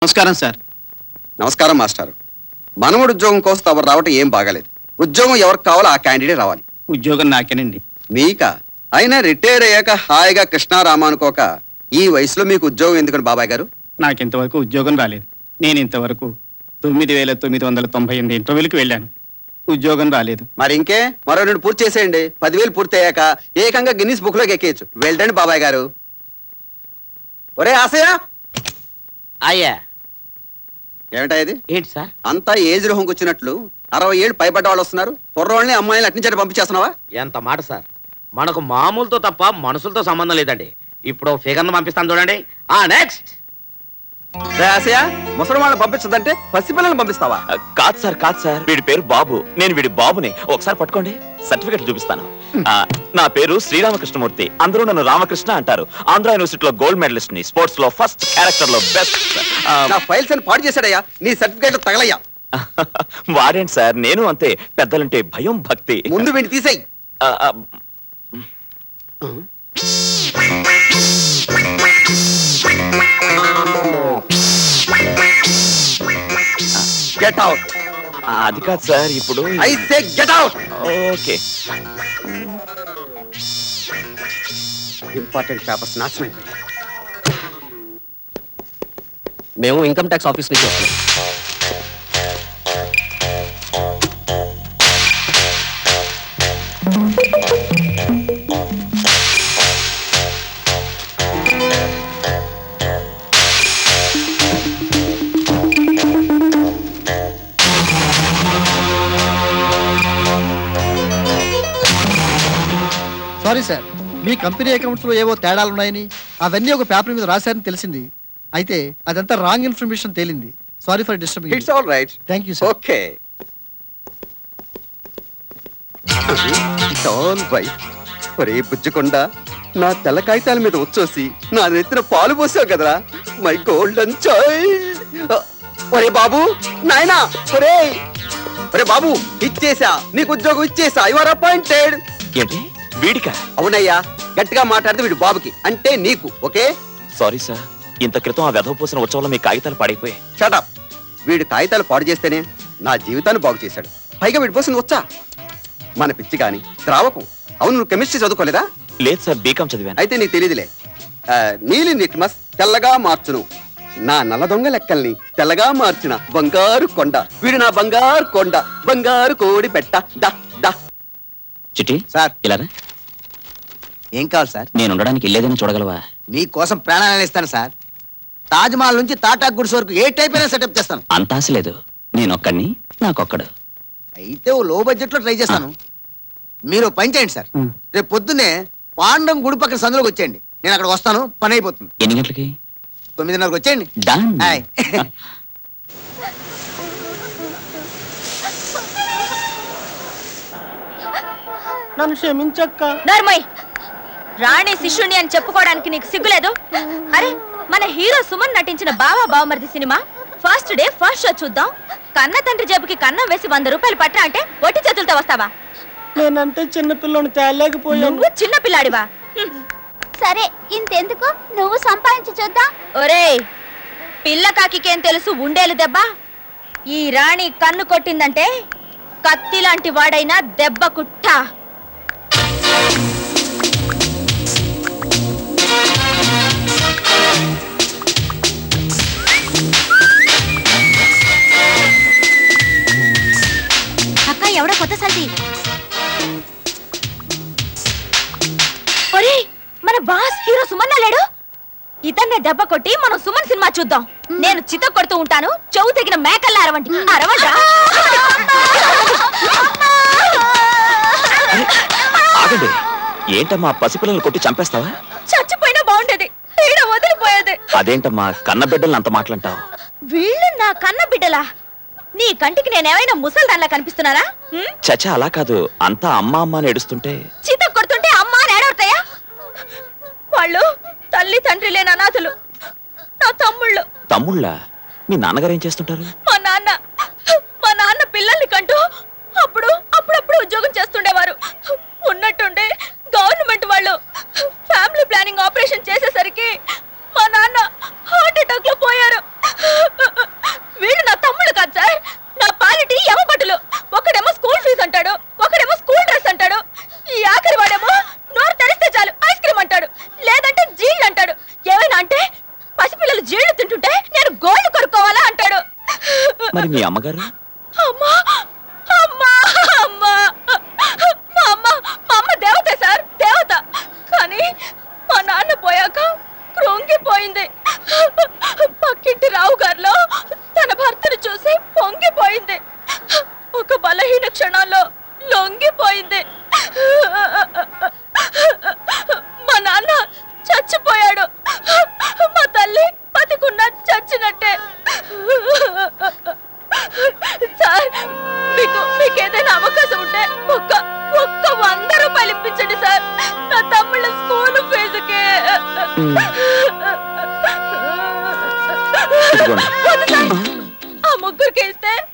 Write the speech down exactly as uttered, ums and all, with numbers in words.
నమస్కారం సార్. నమస్కారం మాస్టర్. మనవడు ఉద్యోగం కోసం తమరు రావటం ఏం బాగాలేదు. ఉద్యోగం ఎవరికి కావాలో ఆ క్యాండిడేట్ రావాలి. ఉద్యోగం నాకేనండి. మీకా? అయినా రిటైర్ అయ్యాక హాయిగా కృష్ణారామ అనుకోక ఈ వయసులో మీకు ఉద్యోగం ఎందుకని బాబాయ్ గారు? నాకు ఇంతవరకు ఉద్యోగం రాలేదు. నేను ఇంతవరకు తొమ్మిది వేల తొమ్మిది వందల తొంభై ఎనిమిది ఇంటర్వ్యూలకు వెళ్ళాను. ఉద్యోగం రాలేదు. మరి ఇంకే మరో రెండు పూర్తి చేసేయండి. పదివేలు పూర్తి అయ్యాక ఏకంగా గిన్నిస్ బుక్ లోకి ఎక్కేయచ్చు. వెళ్ళండి బాబాయ్ గారు. ఒరే ఆశయ, అయ్యా ఏమిటా ఇది? ఏంటి సార్? అంతా ఏజ్ రోహంకి వచ్చినట్లు అరవై ఏళ్ళు పైబడ్డ వాళ్ళు వస్తున్నారు. కుర్రోళ్ళని అమ్మాయిని అట్నుంచి పంపించేస్తున్నావా? ఎంత మాట సార్, మనకు మామూలుతో తప్ప మనుషులతో సంబంధం లేదండి. ఇప్పుడు ఫిగర్ను పంపిస్తాను చూడండి. ఆ నెక్స్ట్ ఆశయ, ముసలి వాళ్ళని పంపించదంటే పసిపిల్లల్ని పంపిస్తావా? కాదు సార్, కాదు సార్. వీడి పేరు బాబు, నేను వీడి బాబుని. ఒకసారి పట్టుకోండి, సర్టిఫికెట్ చూపిస్తాను. ఆ, నా పేరు శ్రీరామకృష్ణమూర్తి. అందరూ నన్ను రామకృష్ణ అంటారు. ఆంధ్ర యూనివర్సిటీలో గోల్డ్ మెడలిస్ట్ ని, స్పోర్ట్స్ లో ఫస్ట్, క్యారెక్టర్ లో బెస్ట్. నా ఫైల్స్ అని పాడు చేశాడయ్యా. నీ సర్టిఫికేట్ తగలయ్యా. వాడేంటి సార్, నేను అంతే. పెద్దలంటే భయం, భక్తి. ముందు వీడిని తీసేయి. Get out. అది కాదు సార్, ఇప్పుడు I say get out. Okay. Important papers నాశనం అయిపోయాయి. మేము ఇన్కమ్ ట్యాక్స్ ఆఫీస్ నుంచి వస్తున్నాం. సారీ సార్, మీ కంపెనీ అకౌంట్స్ లో ఏవో తేడాలున్నాయని అవన్నీ ఒక పేపర్ మీద రాశారని తెలిసింది. అయితే అదంతా రాంగ్ ఇన్ఫర్మేషన్ తేలింది. Sorry for disturbing. It's all right. Thank you sir. Okay. It's all right. ఒరే బుజ్జకొండ, నా తెల్ల కాగితాల మీద వచ్చేసి నా నెత్తిన పాలు పోసావు కదరా. My golden child. ఒరే బాబు, నాయనా, ఒరే ఒరే బాబు, ఇచ్చేసా, నీకు ఉద్యోగం ఇచ్చేసా. You are appointed. ఏంటి వీడికా? అవునయ్యా, గట్టిగా మాట్లాడితే వీడు బాబుకి, అంటే నీకు. ఓకే. సారీ సార్, ఇంత క్రితం ఆ వెధవ పోసిన ఉత్సవంలో మీ కాగితాలు పాడైపోయాయి. షటప్. వీడు కాగితాలు పాడు చేస్తేనే నా జీవితాన్ని బాగు చేశాడు. పైగా వీడి పోసింది వచ్చా మన పిచ్చి కాని ద్రావకం. అవును, నువ్వు కెమిస్ట్రీ చదువుకోలేదా? లేదు సార్, బీకాం చదివాను. అయితే నీకు తెలియదులే. నీలి నిట్మస్ తెల్లగా మార్చును, నా నల్ల దొంగ లెక్కల్ని తెల్లగా మార్చిన బంగారు కొండ. వీడు నా బంగారు కొండ, బంగారు కోడి పెట్ట. దా దా. చిట్టి సార్, ఇలా ఏం కావాలి సార్? నేను ఉండడానికి ఇల్లేదని చూడగలవా? మీకోసం ప్రాణాలను ఇస్తాను సార్. తాజ్ మహల్ నుంచి టాటా గుడ్స్ వరకు ఏ టైప్ అయినా సెటప్ చేస్తాను. అంత ఆశ లేదు. నేనొక్కడిని, నాకొక్కడు. అయితే ఓ లో బడ్జెట్ లో ట్రై చేస్తాను. మీరు ఓ పని చేయండి సార్, మ్. రేపు పొద్దున్నే పాండం గుడి పక్కన సందులోకి వచ్చేయండి. నేను అక్కడ వస్తాను, పని అయిపోతుంది. ఎన్ని గంటలకి? తొమ్మిదిన్నరకు వచ్చేయండి. డన్. హాయ్. నన్ను క్షమించక్క. నర్మయ్, రాణి శిష్యుణ్ణి అని చెప్పుకోవడానికి నీకు సిగ్గులేదు? అరే, మన హీరో సుమన్ నటించిన Bava Bavamaridi cinema first day first show చూద్దాం. కన్న తండ్రి జేబుకి కన్నం వేసి వంద రూపాయలు పట్టా అంటే ఒట్టి చేతులతో వస్తావా? నేనంటే చిన్నపిల్లని తేలేకపోయాను. నువ్వు చిన్న పిల్లాడివా? సరే, ఇంతెందుకు, నువ్వు సంపాదించి చూద్దాం. ఒరేయ్, పిల్ల కాకికేం తెలుసు ఉండేలు దెబ్బ. ఈ రాణి కన్ను కొట్టిందంటే కత్తి లాంటి వాడైనా దెబ్బ కుట్ట. అక్క, ఎవడో కొత్త సల్ది. ఒరేయ్, మన బాస్ హీరో సుమన్ లేడు? ఇతన్నే దెబ్బ కొట్టి మనం సుమన్ సినిమా చూద్దాం. నేను చిత్త కొడుతూ ఉంటాను, చెవు తెగిన మేకల్లా అరవంటి. అరవంట్రా. ఆగండి. ఏంటమ్మా, పసిపిల్లలు కొట్టి చంపేస్తావా? చచ్చిపోయినా బాగుండేది, ఈడ వదిలిపోయేది. అదేంటమ్మా, కన్న బిడ్డల్ని అంత మాటలంటావు? వీళ్ళు నా కన్న బిడ్డలా? నీ కంటికి నేనేమైనా ముసల్దాన్లా కనిపిస్తున్నానా? చచ్చా, అలా కాదు. అంతా అమ్మ అమ్మ అని ఏడుస్తుంటే చిత్త కొడుతుంటే అమ్మ అని ఏడవుతాయా? వాళ్ళు తల్లి తండ్రి లేని అనాథులు, నా తమ్ముళ్ళు. తమ్ముళ్ళా? మీ నాన్నగారు ఏం చేస్తుంటారు? మా నాన్న మా నాన్న పిల్లల్ని కంటూ అప్పుడు అప్పుడప్పుడు ఉద్యోగం చేస్తుండేవారు. ఉన్నట్టుండే గవర్నమెంట్ వాళ్ళు ఫ్యామిలీ ప్లానింగ్ ఆపరేషన్ చేసేసరికి మా నాన్న హార్ట్ అటాక్ లో పోయారు. మరి మీ అమ్మగారు? అమ్మా అమ్మా అమ్మా మా అమ్మ మా అమ్మ దేవత సార్, దేవత. కానీ మా నాన్న పోయాక కృంగిపోయింది. పక్కింటి రావు గారిలో తన భర్తను చూసి పొంగిపోయింది. ఒక బలహీన క్షణంలో లొంగిపోయింది. మా నాన్న చచ్చిపోయాడు. మా తల్లి బతికున్నా చచ్చినట్టే. సార్, మీకు మీకు ఏదైనా అవకాశం ఉంటే ఒక్క ఒక్క వంద రూపాయలు ఇప్పించండి సార్, నా తమ్ముళ్ళ స్కూల్ ఫీజుకి. ఇదిగోండి. వద్దు సార్, ఆ ముగ్గురికి ఇస్తే